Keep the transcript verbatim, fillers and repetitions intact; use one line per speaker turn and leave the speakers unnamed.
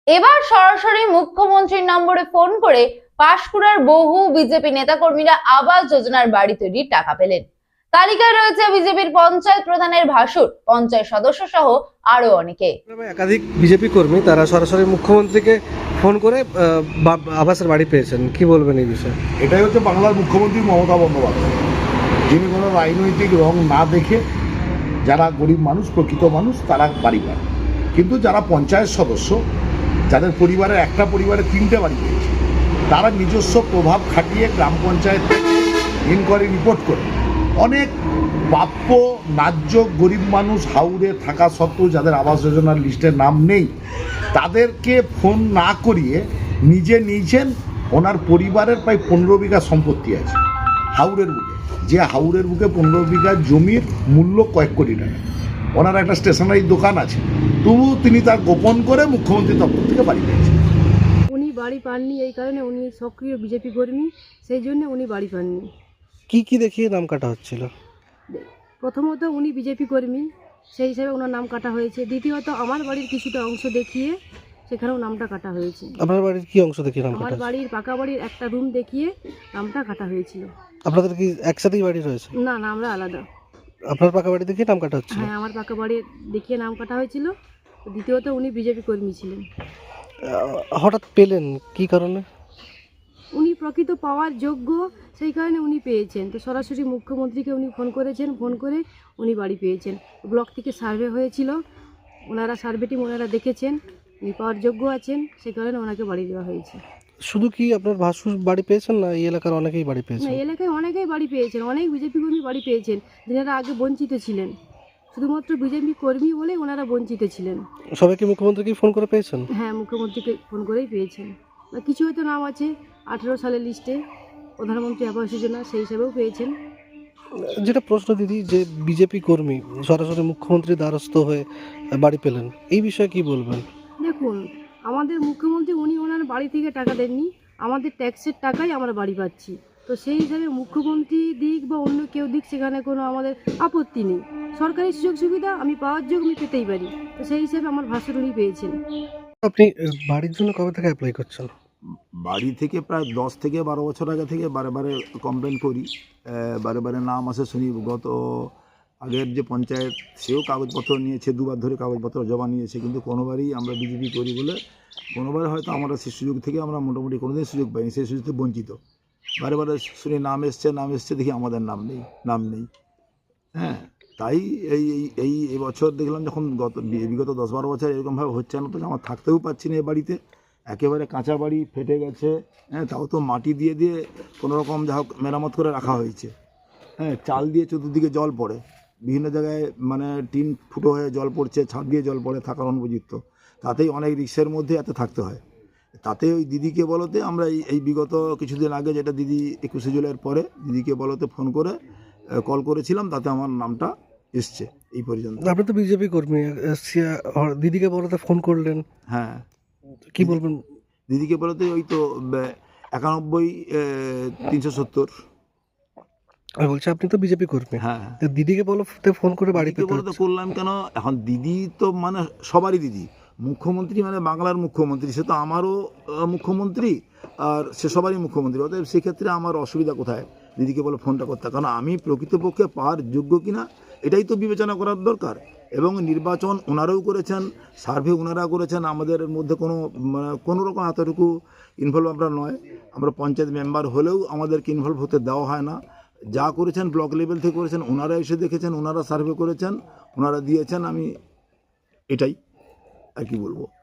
এবার সরাসরি মুখ্যমন্ত্রীর নম্বরে ফোন করে পাঁশকুড়ার বহু বিজেপি নেতাকর্মীরা আবাস যোজনার বাড়ি তৈরির টাকা পেলেন। তালিকায় রয়েছে বিজেপির পঞ্চায়েত প্রধানের ভাসুর, পঞ্চায়েত সদস্য সহ আরো অনেকে।
একাধিক বিজেপি কর্মী তারা সরাসরি মুখ্যমন্ত্রীকে ফোন করে আবাসের বাড়ি পেয়েছেন, কি বলবেন এই বিষয়ে?
এটাই হচ্ছে বাংলার মুখ্যমন্ত্রী মমতা বন্দ্যোপাধ্যায়, যিনি কোনো রাজনৈতিক রং না দেখে যারা গরিব মানুষ, প্রকৃত মানুষ, তারা বাড়ি পায়। কিন্তু যারা পঞ্চায়েত সদস্য, যাদের পরিবারের একটা পরিবারে তিনটে বাড়ি পেয়েছে, তারা নিজস্ব প্রভাব খাটিয়ে গ্রাম পঞ্চায়েত ইনকোয়ারি রিপোর্ট করে অনেক প্রাপ্য ন্যায্য গরিব মানুষ হাউড়ে থাকা সত্ত্বেও যাদের আবাস যোজনার লিস্টে নাম নেই, তাদেরকে ফোন না করিয়ে নিজে নিয়েছেন। ওনার পরিবারের প্রায় পনেরো বিঘা সম্পত্তি আছে হাউড়ের বুকে, যে হাউড়ের বুকে পনেরো বিঘা জমির মূল্য কয়েক কোটি টাকা। ওনার একটা স্টেশনারি দোকান আছে, তবু তিনি তার গোপন করে মুখ্যমন্ত্রী দপ্তর থেকে বাড়ি পেয়েছেন।
উনি বাড়ি পাননি এই কারণে, উনি সক্রিয় বিজেপি কর্মী, সেই জন্য উনি বাড়ি পাননি।
কি কি দেখিয়ে নাম কাটা হচ্ছিল?
প্রথমত উনি বিজেপি কর্মী, সেই হিসাবে ওনার নাম কাটা হয়েছে। দ্বিতীয়ত আমার বাড়ির কিছুটা অংশ দেখিয়ে সেখানেও নামটা কাটা হয়েছে।
আপনার বাড়ির কি অংশ দেখিয়ে নাম কাটা?
আমার বাড়ির পাকা বাড়ির একটা রুম দেখিয়ে নামটা কাটা হয়েছিল।
আপনাদের কি একসাথেই বাড়ি রয়েছে?
না না, আমরা আলাদা।
আপনার পাকা বাড়ি দেখিয়ে নাম কাটা হচ্ছিল?
হ্যাঁ, আমার পাকা বাড়ি দেখিয়ে নাম কাটা হয়েছিল। দ্বিতীয়ত উনি বিজেপি কর্মী ছিলেন।
হঠাৎ পেলেন কি কারণে?
উনি প্রকৃত পাওয়ার যোগ্য, সেই কারণে উনি পেয়েছেন। তো সরাসরি মুখ্যমন্ত্রীকে উনি ফোন করেছেন, ফোন করে উনি বাড়ি পেয়েছেন। ব্লক থেকে সার্ভে হয়েছিল, ওনারা সার্ভেটি ওনারা দেখেছেন, উনি পাওয়ার যোগ্য আছেন, সেই কারণে ওনাকে বাড়ি দেওয়া হয়েছে।
শুধু কি আপনার ভাসুর বাড়ি পেয়েছেন না এই এলাকার অনেকেই বাড়ি
না,
পেয়েছেন?
এলাকায় অনেকেই বাড়ি পেয়েছেন, অনেক বিজেপি কর্মী বাড়ি পেয়েছেন, যারা আগে বঞ্চিত ছিলেন। শুধুমাত্র বিজেপি কর্মী বলে ওনারা বঞ্চিত ছিলেন।
সবাইকে মুখ্যমন্ত্রীকে ফোন করে পেয়েছেন?
হ্যাঁ, মুখ্যমন্ত্রীকে ফোন করেই পেয়েছেন। বা কিছু হয়তো নাম আছে আঠেরো সালের লিস্টে, প্রধানমন্ত্রী আবাস যোজনা, সেই হিসাবেও পেয়েছেন।
যেটা প্রশ্ন দিদি, যে বিজেপি কর্মী সরাসরি মুখ্যমন্ত্রীর দ্বারস্থ হয়ে বাড়ি পেলেন, এই বিষয়ে কি বলবেন?
দেখুন, আমাদের মুখ্যমন্ত্রী উনি ওনার বাড়ি থেকে টাকা দেননি, আমাদের ট্যাক্সের টাকাই আমরা বাড়ি পাচ্ছি। তো সেই হিসাবে মুখ্যমন্ত্রী দিক বা অন্য কেউ দিক, সেখানে কোনো আমাদের আপত্তি নেই। সরকারি সুযোগ সুবিধা আমি পাওয়ার যোগ্য, আমি পেতেই পারি। তো সেই হিসাবে আমার ভাসুর উনি পেয়েছেন।
আপনি বাড়ির জন্য কবে থেকে অ্যাপ্লাই করছেন?
বাড়ি থেকে প্রায় দশ থেকে বারো বছর আগে থেকে বারে বারে কমপ্লেন করি, বারে বারে নাম আসে শুনি। গত আগের যে পঞ্চায়েত, সেও কাগজপত্র নিয়েছে, দুবার ধরে কাগজপত্র জমা নিয়েছে, কিন্তু কোনোবারই আমরা বিজেপি করি বলে কোনোবার হয়তো আমরা সেই সুযোগ থেকে আমরা মোটামুটি কোনোদিন সুযোগ পাইনি, সেই সুযোগ থেকে বঞ্চিত। বারে বারে শুনি নাম এসছে, নাম এসছে, দেখি আমাদের নাম নেই, নাম নেই। হ্যাঁ, তাই এই এই এই বছর দেখলাম যখন গত বিগত দশ বারো বছর এরকমভাবে হচ্ছে না, তো আমার থাকতেও পারছি না এ বাড়িতে। একেবারে কাঁচা বাড়ি, ফেটে গেছে। হ্যাঁ, তাও তো মাটি দিয়ে দিয়ে কোনো রকম যা হোক মেরামত করে রাখা হয়েছে। হ্যাঁ, চাল দিয়ে চতুর্দিকে জল পড়ে, বিভিন্ন জায়গায় মানে টিন ফুটো হয়ে জল পড়ছে, ছাদ দিয়ে জল পড়ে, থাকার অনুপযুক্ত। তাতেই অনেক রিক্সের মধ্যে এত থাকতে হয়। তাতে ওই দিদিকে বলতে আমরা এই এই বিগত কিছুদিন আগে, যেটা দিদি একুশে জুলাইয়ের পরে দিদিকে বলতে ফোন করে কল করেছিলাম, তাতে আমার নামটা এসছে এই পর্যন্ত।
আপনি তো বিজেপি কর্মী, দিদিকে বলতে ফোন করলেন,
হ্যাঁ,
কি বলবেন?
দিদিকে বলতে ওই তো একানব্বই তিনশো সত্তর।
আমি বলছি আপনি তো বিজেপি কর্মী,
হ্যাঁ,
দিদিকে বলতে ফোন করে বাড়ি পেতে
বলতে করলাম কেন? এখন দিদি তো মানে সবারই দিদি, মুখ্যমন্ত্রী মানে বাংলার মুখ্যমন্ত্রী, সে তো আমারও মুখ্যমন্ত্রী আর সে সবারই মুখ্যমন্ত্রী। অতএব সেক্ষেত্রে আমার অসুবিধা কোথায় দিদিকে বলে ফোনটা করতে? কারণ আমি প্রকৃতপক্ষে পাওয়ার যোগ্য কিনা এটাই তো বিবেচনা করার দরকার। এবং নির্বাচন ওনারাও করেছেন, সার্ভে ওনারা করেছেন, আমাদের মধ্যে কোনো মানে কোনো রকম এতটুকু ইনভলভ আমরা নয়। আমরা পঞ্চায়েত মেম্বার হলেও আমাদেরকে ইনভলভ হতে দেওয়া হয় না। যা করেছেন ব্লক লেভেল থেকে করেছেন, ওনারা এসে দেখেছেন, ওনারা সার্ভে করেছেন, ওনারা দিয়েছেন। আমি এটাই আর কি বলবো।